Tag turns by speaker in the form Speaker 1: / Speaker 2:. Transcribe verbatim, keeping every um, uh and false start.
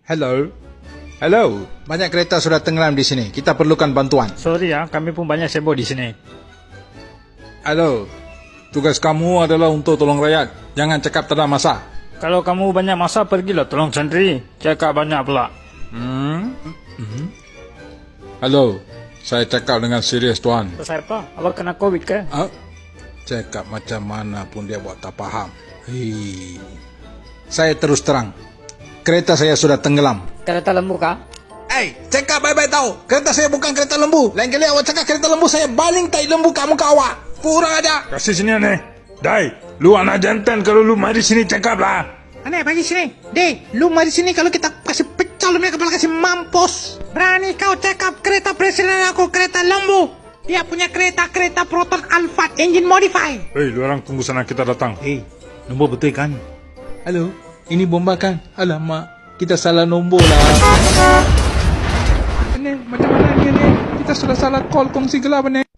Speaker 1: Hello? Hello? Banyak kereta sudah tenggelam di sini. Kita perlukan bantuan.
Speaker 2: Sorry ya, kami pun banyak sibuk di sini.
Speaker 1: Halo? Tugas kamu adalah untuk tolong rakyat. Jangan cakap tak ada masa.
Speaker 2: Kalau kamu banyak masa, pergilah tolong sendiri. Cakap banyak pula.
Speaker 1: Hmm? Hmm? Halo? Saya cakap dengan serius, tuan.
Speaker 2: Besar apa? Awak kena COVID ke?
Speaker 1: Ah? Cakap macam mana pun dia buat tak faham. Hei. Saya terus terang. Kereta saya sudah tenggelam.
Speaker 3: Kereta lembu kah?
Speaker 1: Eh, cakap baik-baik tahu. Kereta saya bukan kereta lembu. Lain kali awak cakap kereta lembu, saya baling tai lembu kamu ke awak. Kurang aja.
Speaker 4: Kasih sini aneh. Dai, lu anak jantan kalau lu mari sini cakap lah.
Speaker 5: Aneh, bagi sini. Deh, lu mari sini kalau kita kasih pecah lu punya kepala, kasih mampus. Berani kau cakap kereta presiden aku kereta lembu. Dia punya kereta-kereta Proton Alphard engine modify.
Speaker 4: Hei, lu orang tunggu sana kita datang.
Speaker 1: Eh, nombor betul kan? Halo, ini bomba kan? Alamak, kita salah nombor lah. Aneh, macam mana ni aneh? Kita sudah salah call kongsi gelap aneh.